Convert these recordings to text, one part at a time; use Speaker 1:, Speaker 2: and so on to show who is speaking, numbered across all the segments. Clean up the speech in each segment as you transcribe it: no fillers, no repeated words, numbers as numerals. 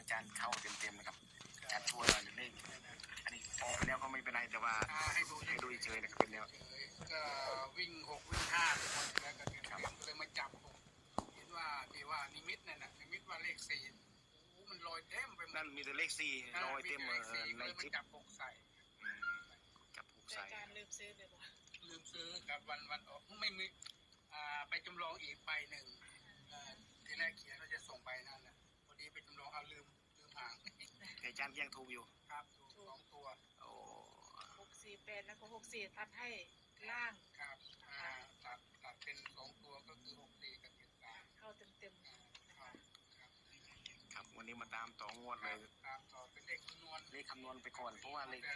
Speaker 1: จารย์เข้าเต็มๆนะครับอาจารย์ช่วยหน่อยเลขอันนี้ออกไปแล้วก็ไม่เป็นไรแต่ว่าให้ดูเฉยๆนะครับเป็นแนว
Speaker 2: ก็วิ่ง6วิ่ง5ทุกคนแล้วก็เลยมาจับเห็นว่าที่ว่านิมิตนั่นนะนิมิตว่าเลข4โอ้มันลอยเต็มไป
Speaker 1: นั่นมีแต่เลข4ลอยเต็มในคลิป
Speaker 2: จับ6ใส่
Speaker 1: จับ6ใส่
Speaker 3: อาจารย์ลืมซื้อเลยบ่
Speaker 2: ลืมซื้อกับวันออกไม่มีไปจำลองอีกใบหนึ่งที่แรกเขียนว่าจะส่งใบนั่นนะพอดีไปจำลองเอาลืมห่าง
Speaker 1: อาจารย์ยังถูกอยู่
Speaker 2: ครับถูก2ตัว
Speaker 1: โอ้
Speaker 3: 648แล้วก็64ตัดให้ล่าง
Speaker 2: ครับตัดเป็น2ตัวก็คือ64กับ73
Speaker 3: เข้าเต็ม
Speaker 1: ครับวันนี้มาตามต่องวดเลย
Speaker 2: ตามต่อเป็นเลขคำนวณ
Speaker 1: ไปก่อนเพราะว่าเลข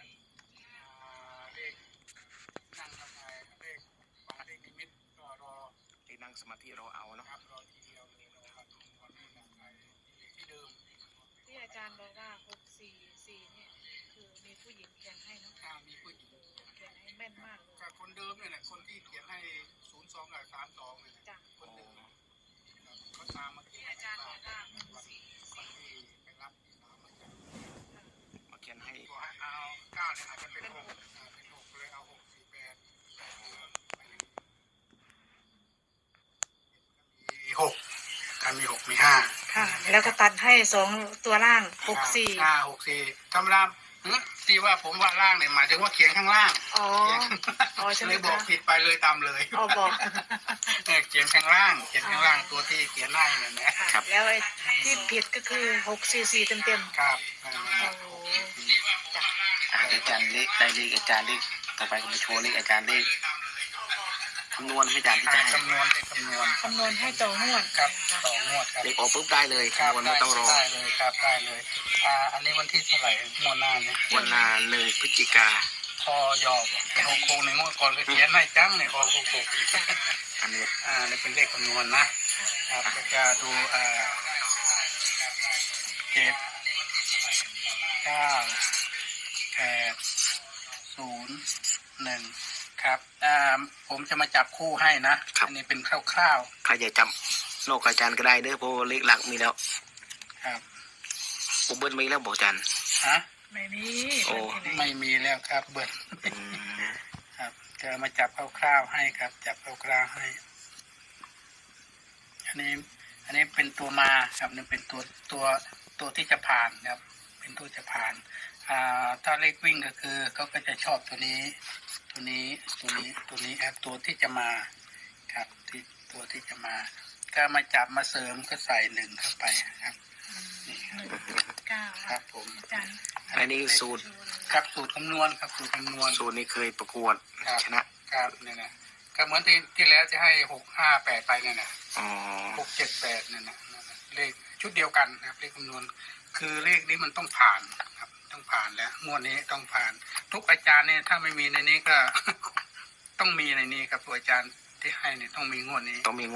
Speaker 2: นั่งทำไงเลขฟังเลขนิมิตก็รอ
Speaker 1: ที่นั่งสมาธิรอเอาเนาะ
Speaker 2: รอทีเดียวเลยรอครับวันนี้นั่งไปที่เดิม
Speaker 3: ที่อาจารย์บอกว่า644เนี่ยคือมีผู้หญิงเขียนให้เนาะ
Speaker 2: มีผู้หญิง
Speaker 3: เขียนให้แม่นมาก
Speaker 2: ก็คนเดิมเนี่ยแหละคนที่เขียนให้02กับ32เนี่ยคนเดิมเขาตามมาที่
Speaker 3: อาจารย์บอกว่า
Speaker 2: วันที่ไปรับที่สาม
Speaker 1: มาเขียนให้
Speaker 2: เอา9เนี่ยอาจจะเป็น6เลยเอา648มี6กันมี6มี5
Speaker 3: ค่ะแล้วก็ตัดให้2ตัวล่าง64
Speaker 2: ธรรมดาที่ว่าผมว่าล่างเนี่ยหมายถึงว่าเขียนข้างล่างเลยบอกผิดไปเลยตามเลย
Speaker 3: บอก
Speaker 2: เขียนข้างล่างตัวที่เขียนได้เนี่ย
Speaker 3: นะครับแล้วที่ผิดก็คือ644เต็ม
Speaker 2: ๆครับ
Speaker 3: โอ้
Speaker 1: อาจารย์เลขได้เลขอาจารย์เลขต่อไปผมจะโชว์เลขอาจารย์เลขคำนวณให้อาจารย์ที่จะให้
Speaker 2: คำนวณ
Speaker 3: ให้ต่องวด
Speaker 2: ครับต่องวดครับ
Speaker 1: เลขออกปุ๊บได้เลยคำนวณไม่ต้องรอ
Speaker 2: ได้เลยครับได้เลยอันนี้วันที่เท่าไหร่งวดหน้าเนี่ย
Speaker 1: วันหน้า1 พฤศจิกา
Speaker 2: พอยอเป็น66ในงวดก่อนก็เขียนให้จังเนี่ยออก
Speaker 1: 66อันนี้
Speaker 2: นี่เป็นเลขคำนวณนะครับแล้วจะดู7 9 8 0 1ครับผมจะมาจับคู่ให้นะอันนี้เป็นคร่าว
Speaker 1: ๆใครจะจำโลกอาจารย์ก็ได้เด้อเพราะเลขหลักมีแล้ว
Speaker 2: ครับ
Speaker 1: เบิ้ลมีแล้วบอกอาจารย์
Speaker 3: ไม่มี
Speaker 2: ไม่มีแล้วครับเบิ้ลครับจะมาจับคร่าวๆให้ครับจับคร่าวๆให้อันนี้เป็นตัวมาครับนี่เป็นตัวที่จะผ่านครับเป็นตัวจะผ่านถ้าเลขวิ่งก็คือเขาก็จะชอบตัวนี้ครับตัวที่จะมาครับตัวที่จะมาก็มาจับมาเสริมก็ใส่1เข้าไปครับ
Speaker 3: 9
Speaker 2: ครับผม
Speaker 1: อันนี้สูตร
Speaker 2: ครับสูตรคำนวณครับสูตร
Speaker 1: นี้เคยประกวดชนะครับ
Speaker 2: เนี่ยนะก็เหมือนที่แล้วจะให้658ไปเนี่ยนะ678เนี่ยนะเลขชุดเดียวกันครับเลขคำนวณคือเลขนี้มันต้องผ่านครับต้องผ่านแล้วงวดนี้ต้องผ่านทุกอาจารย์เนี่ยถ้าไม่มีในนี้ก็ ต้องมีในนี้ครับตัวอาจารย์ที่ให้เนี่ยต้องมีงวดนี้
Speaker 1: ต้องมี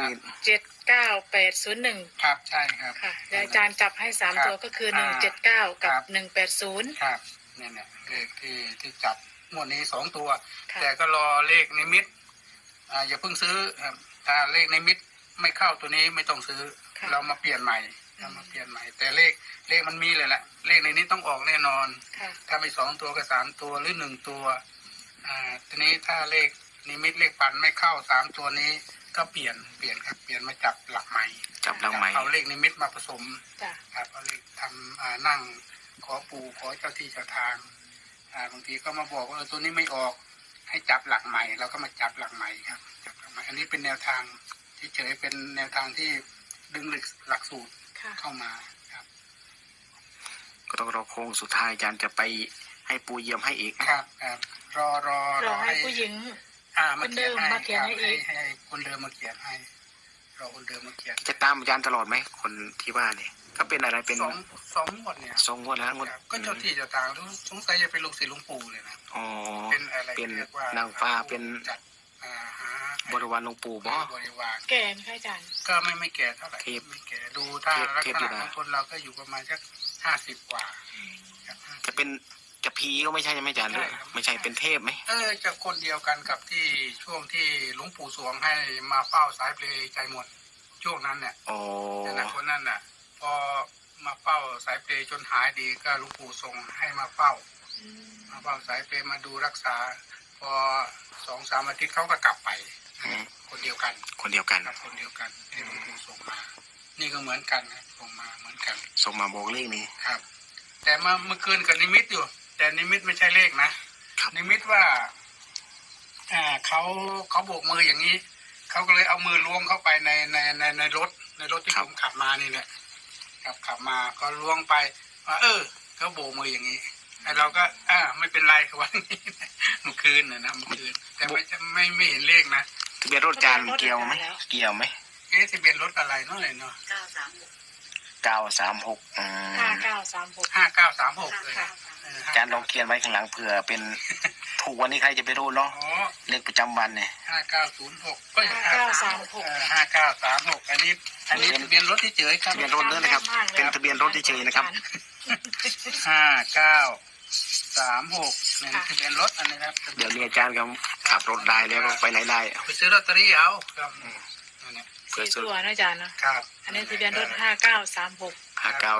Speaker 3: 79801
Speaker 2: ครับใช่ครับ
Speaker 3: ค่ะแล้วอาจารย์จับให้3ตัวก็คือ179กับ180
Speaker 2: ครับเนี่ยเลขที่จับงวดนี้2ตัวแต่ก็รอเลขนิมิตอย่าเพิ่งซื้อครับถ้าเลขนิมิตไม่เข้าตัวนี้ไม่ต้องซื้อเรามาเปลี่ยนใหม่แต่เลขมันมีเลยแหละเลขในนี้ต้องออกแน่นอนถ้าไม่2ตัวก็3ตัวหรือ1ตัวทีนี้ถ้าเลขนิมิตเลขปันไม่เข้า3ตัวนี้ก็เปลี่ยนครับเปลี่ยนมาจับหลักใหม่เอาเลขนิมิตมาผสมครับเอาเลขทำนั่งขอปู่ขอเจ้าที่เจ้าทางบางทีก็มาบอกว่าตัวนี้ไม่ออกให้จับหลักใหม่เราก็มาจับหลักใหม่ครับจับหลักใหม่อันนี้เป็นแนวทางที่เฉยเป็นแนวทางที่ดึงหลักสูตรเข้ามาครับ
Speaker 1: ก็ต้องรอโค้งสุดท้ายอาจารย์จะไปให้ปูเยี่ยมให้อีก
Speaker 2: ครับรอ
Speaker 3: ให้ผู้หญิง
Speaker 2: คนเดิมมาเขียนให้อีกให้คนเดิมมาเขียนให้รอคนเดิมมาเขียน
Speaker 1: จะตามอาจารย์ตลอดไหมคนที่ว่าเนี่ยก็เป็นอะไรเป็น
Speaker 2: 2 งวดเนี่ย
Speaker 1: 2 งวดแล้ว
Speaker 2: ก็เจ้าที่เจ้าทางสงสัยจะเป็นลูกศิษย์หลวงปู่เลยนะเป็นอะไร
Speaker 1: เป็นนางฟ้าเป็นบริวารหลวงปู่บ่
Speaker 2: บริวาร
Speaker 3: แก่ไหมอาจารย์
Speaker 2: ก็ไม่แก่เท่าไหร่ไม่แก่ดูถ้าลักษณะของคนเราก็อยู่ประมาณสัก50 กว่า
Speaker 1: จะเป็นจะผีก็ไม่ใช่ไหมอาจารย์ไม่ใช่เป็นเทพไหม
Speaker 2: จะคนเดียวกันกับที่ช่วงที่หลวงปู่สวงให้มาเฝ้าสายเพลใจหมดช่วงนั้นเนี่ยแต่คนนั้นน่ะพอมาเฝ้าสายเปรย์จนหายดีก็หลวงปู่ส่งให้มาเฝ้า
Speaker 3: อืม
Speaker 2: มาเฝ้าสายเปรย์มาดูรักษา พอ2-3 อาทิตย์เขาก็กลับไป คนเดียวกัน
Speaker 1: คนเดียวกัน
Speaker 2: ครับคนเดียวกันที่หลวงปู่ส่งมา นี่ก็เหมือนกันนะส่งมาเหมือนกัน
Speaker 1: ส่งมาบอกเลขนี้
Speaker 2: ครับ แต่เมื่อคืนกับนิมิตอยู่ แต่นิมิตไม่ใช่เลขนะครับ นิมิตว่าเขาโบกมืออย่างนี้เขาก็เลยเอามือล้วงเข้าไปในรถที่ผมขับมานี่แหละขับมาก็ล้วงไปว่าเขาโบกมืออย่างนี้ไอ้เราก็ไม่เป็นไรครับวันนี้เมื่อคืนนะเมื่อคืนแต่ไม่เห็นเลขนะ
Speaker 1: ทะเบียนรถอาจารย์เกี่ยวไหมเกี่ยวไหม
Speaker 2: ทะเบียนรถอะไรเนาะเลยเนาะ
Speaker 1: 936
Speaker 3: 5936
Speaker 2: 5936เลย
Speaker 3: ค่ะ
Speaker 1: อาจารย์ลองเขียนไว้ข้างหลังเผื่อเป็นถูกวันนี้ใครจะไปรู้เนาะ
Speaker 2: อ๋อ
Speaker 1: เลขประจำวันเนี่ย
Speaker 2: 5906ก็
Speaker 3: 5936
Speaker 2: 5936อันนี้ทะเบียนรถที่เจอครับ
Speaker 1: ทะเบียนรถด้วยนะครับ เป็นทะเบียนรถเฉยๆนะครับ
Speaker 2: 5936นี่ทะเบียนรถอันนี้ครับ
Speaker 1: เดี๋ยวนี้อาจารย์ก็ขับรถได้แล้วก็ไปไหนได้
Speaker 2: ไปซื้อลอตเตอรี่เอาครับอันนี้
Speaker 1: เผื่อ
Speaker 3: 4
Speaker 1: ซื้อ
Speaker 3: ตัวนะอาจารย์เนาะ
Speaker 2: ครับ
Speaker 3: อันนี้ทะเบียนรถ5936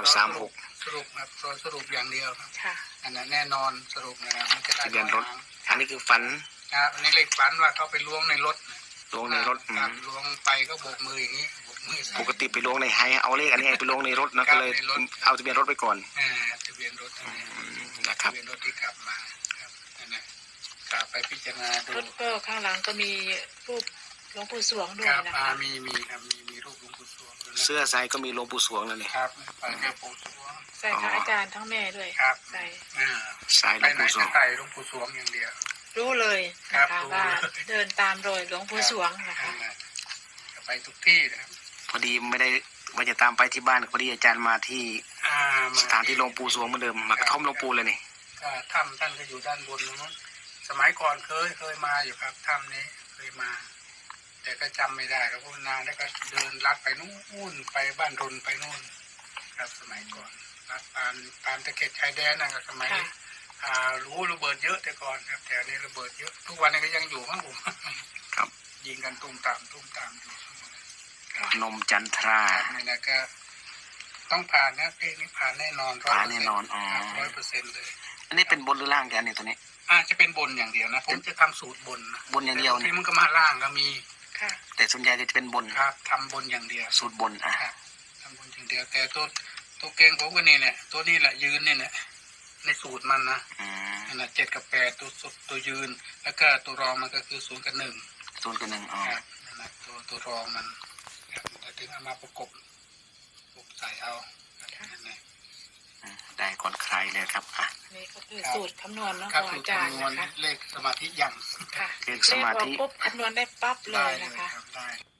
Speaker 1: 5936
Speaker 2: สรุปครับสรุปอย่างเดียวครับ
Speaker 3: ค่ะ
Speaker 2: อันนั้นแน่นอนสรุปนะครับมันจะได้
Speaker 1: ทะเบียนรถ อันนี้คือฝัน
Speaker 2: ครับอันนี้เลขฝันว่าเขาไปล้วงในรถ
Speaker 1: ลงในรถ
Speaker 2: ครับล้วงไปก็โบกมืออย่างนี้โบกมือใส่
Speaker 1: ปกติไปลงในไฮเอาเลขอันนี้ไปลงในรถนะก็เลยเอาทะเบียนรถไปก่อน
Speaker 2: ทะเบียนรถอันนี้
Speaker 1: นะครับ
Speaker 2: ทะเบียนรถที่ขับมาครับนั่นแหละขับไปพิจารณาดู
Speaker 3: รถก็ข้างหลังก็มีรูปหลวงปู่สวงด้ว
Speaker 2: ค
Speaker 3: ย
Speaker 2: รับ
Speaker 3: นะคะ
Speaker 2: มีครับมีรูปหลวงปู่สวงด้วยนะ
Speaker 1: เสื้อใส่ก็มีหลวงปู่สวงนั่นนี่
Speaker 2: ครับไปแค่ปู่สวง
Speaker 3: ใส่ค่ะอาจารย์ทั้งแม่ด้วย
Speaker 2: ครับ
Speaker 3: ใส่
Speaker 1: ใส่หล
Speaker 2: ไป
Speaker 1: วง
Speaker 2: ไหน
Speaker 1: ปู่สว
Speaker 2: จะ
Speaker 1: ง
Speaker 2: ใส่หลวงปู่สวงอย่างเดียว
Speaker 3: รู้เลย
Speaker 2: ครั
Speaker 3: นะ
Speaker 2: บ
Speaker 3: คะ
Speaker 2: รู้
Speaker 3: ว่า
Speaker 2: เลย
Speaker 3: เดินตามรอยหลวงปู่สวงนะคะ
Speaker 2: จะไปทุกที่นะครับ
Speaker 1: พอดีไม่ได้ว่าจะตามไปที่บ้านพอดีอาจารย์มาที่
Speaker 2: ม
Speaker 1: สถานที่หลวงปู่สวงเหมือนเดิมมากระท่อมหลวงปู่เลยนี่
Speaker 2: ก็ถ้ำท่านก็อยู่ด้านบนนู้นสมัยก่อนเคยมาอยู่ครับถ้ำนี้เคยมา แต่ก็จำไม่ได้แล้วเพราะนานแล้วก็เดินลัดไปนู่นไปบ้านรนไปนู่น ครับสมัยก่อนลัดตามตะเข็บชายแดนนะครับสมัยนี้รู้ระเบิดเยอะแต่ก่อนครับแถวนี้ระเบิดเยอะทุกวันนี้ก็ยังอยู่มั้งผม
Speaker 1: ครับ
Speaker 2: ยิงกันตุ้มตามอยู่
Speaker 1: พนมจันทรา
Speaker 2: ครับนี่นะก็ต้องผ่านนะเพลงนี้ผ่านแน่นอน
Speaker 1: ผ่านแน่นอนอ๋อ
Speaker 2: 100%เลย
Speaker 1: อันนี้เป็นบนหรือล่างแกนี่ตัวนี้
Speaker 2: จะเป็นบนอย่างเดียวนะผมจะทำสูตรบนนะ
Speaker 1: บนอย่างเดียว
Speaker 2: ที่
Speaker 1: เนี่ย
Speaker 2: มันก็มาล่างก็มี
Speaker 3: ค่ะ
Speaker 1: แต่ส่วนใหญ่จะเป็นบน
Speaker 2: ครับทำบนอย่างเดียว
Speaker 1: สูตรบนอ่ะ
Speaker 2: ครับทำบนอย่างเดียวแต่ตัวเก่งผมก็นี่เนี่ยตัวนี้แหละยืนเนี่ยในสูตรมันนะ
Speaker 1: อืม
Speaker 2: นั่นนะ7 กับ 8ตัวยืน แล้วก็ตัวรองมันก็คือ0 กับ 1
Speaker 1: 0 กับ 1อ๋อ
Speaker 2: ครับนั่นนะตัวรองมันครับแต่ถึงเอามาประกบใส่เอาครับนั่นแหละ
Speaker 1: ได้ก่อนใครเลยครับอ่ะ
Speaker 3: นี่ก็คือสูตรคำนวณเนาะ
Speaker 2: ครับ
Speaker 3: ของ
Speaker 2: สูต
Speaker 3: อาร จารย์
Speaker 2: คำนวณ
Speaker 3: นะคะ
Speaker 2: เลขสมาธิยัง
Speaker 3: ค่ะ
Speaker 1: เลขสมาธิ
Speaker 3: เลขออกปุ๊บคำนวณได้ปั๊บเล
Speaker 2: ได้
Speaker 3: ย
Speaker 2: เลย
Speaker 3: นะคะ
Speaker 2: ครับได้